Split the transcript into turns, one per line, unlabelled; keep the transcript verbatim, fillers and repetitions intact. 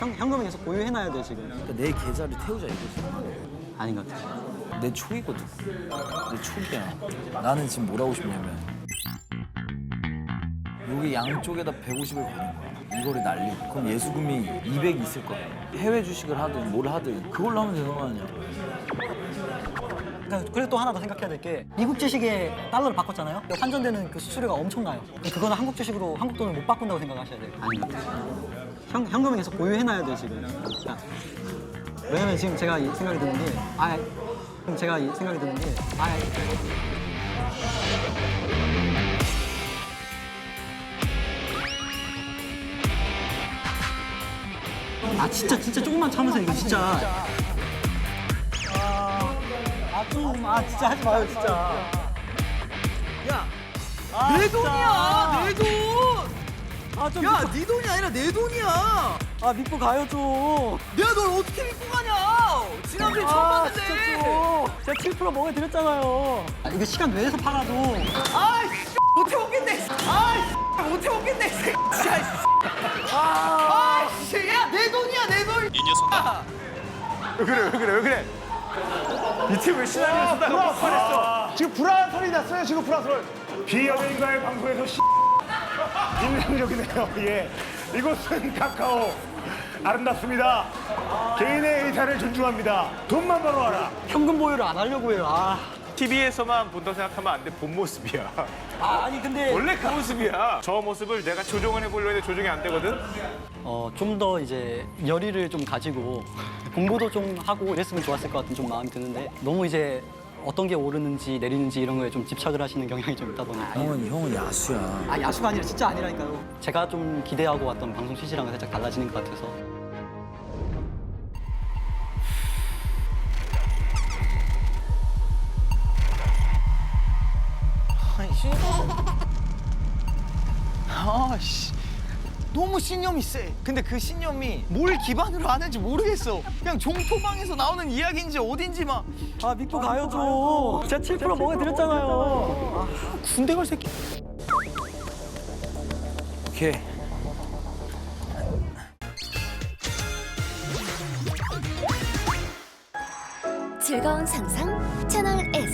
형, 현금은 계속 보유해놔야 돼 지금.
그러니까 내 계좌를 태우자 이거지.
아닌 것 같아.
내 초이거든. 내 초기야. 나는 지금 뭘 하고 싶냐면 여기 양쪽에다 백오십을 거는 거야. 이거를 날리고 그럼 예수금이 이백 있을 거야. 해외 주식을 하든 뭘 하든 그걸로 하면 되는 거 아니야.
그러니까 그리고 또 하나 더 생각해야 될 게 미국 주식에 달러를 바꿨잖아요. 환전되는 그 수수료가 엄청나요. 그거는 한국 주식으로 한국 돈을 못 바꾼다고 생각하셔야 돼요. 아닌 것 같아. 현, 현금은 계속 보유해놔야 돼 지금. 그러니까 왜냐면 지금 제가 이 생각이 드는 게 아, 지금 제가 이 생각이 드는 게 아, 아 진짜 진짜 조금만 참으세요 이거 진짜. 아 좀 아 진짜 하지 마요 진짜.
야,
아,
내
진짜.
돈이야, 내 돈.
아 좀.
야, 네 돈이 아니라 내 돈이야.
아 믿고 가요 좀.
내가 널 어떻게 믿고 가냐? 지난주에 처음
아
봤는데.
진짜 좀. 제가 칠 퍼센트 먹여드렸잖아요. 아, 이거 시간 내에서 팔아도.
아이씨, 못해 먹겠네. 아이씨, 못해 먹겠네. 진짜.
아,
아이씨, 야, 내 돈이야, 내 돈. 이 녀석아.
왜 그래 왜 그래 왜 그래 이 팀 왜 시나리오 쓰다가 못 팔았어 지금 불안한 소리 났어요 지금 불안한 소리 비연예인과의 방송에서 씨 인상적이네요 예 이곳은 카카오 아름답습니다 개인의 의사를 존중합니다 돈만 벌어와라
현금 보유를 안 하려고 해요. 아,
티비에서만 본다고 생각하면 안 돼 본 모습이야
아 아니 근데
원래 그 모습이야 저 모습을 내가 조정을 해보려고 했는데 조정이 안 되거든
어, 좀 더 이제 열의를 좀 가지고 공부도 좀 하고 이랬으면 좋았을 것 같은 좀 마음이 드는데 너무 이제 어떤 게 오르는지 내리는지 이런 거에 좀 집착을 하시는 경향이 좀 있다 보니까.
형은 형은 야수야.
아 야수가 아니라 진짜 아니라니까요. 제가 좀 기대하고 왔던 방송 취지랑은 살짝 달라지는 것 같아서.
아씨 너무 신념이 세. 근데 그 신념이 뭘 기반으로 하는지 모르겠어. 그냥 종토방에서 나오는 이야기인지 어딘지 막.
아 믿고 가요 좀. 제가 칠 퍼센트 먹여드렸잖아요.
군대 갈 새끼.
오케이.
즐거운 상상 채널 S.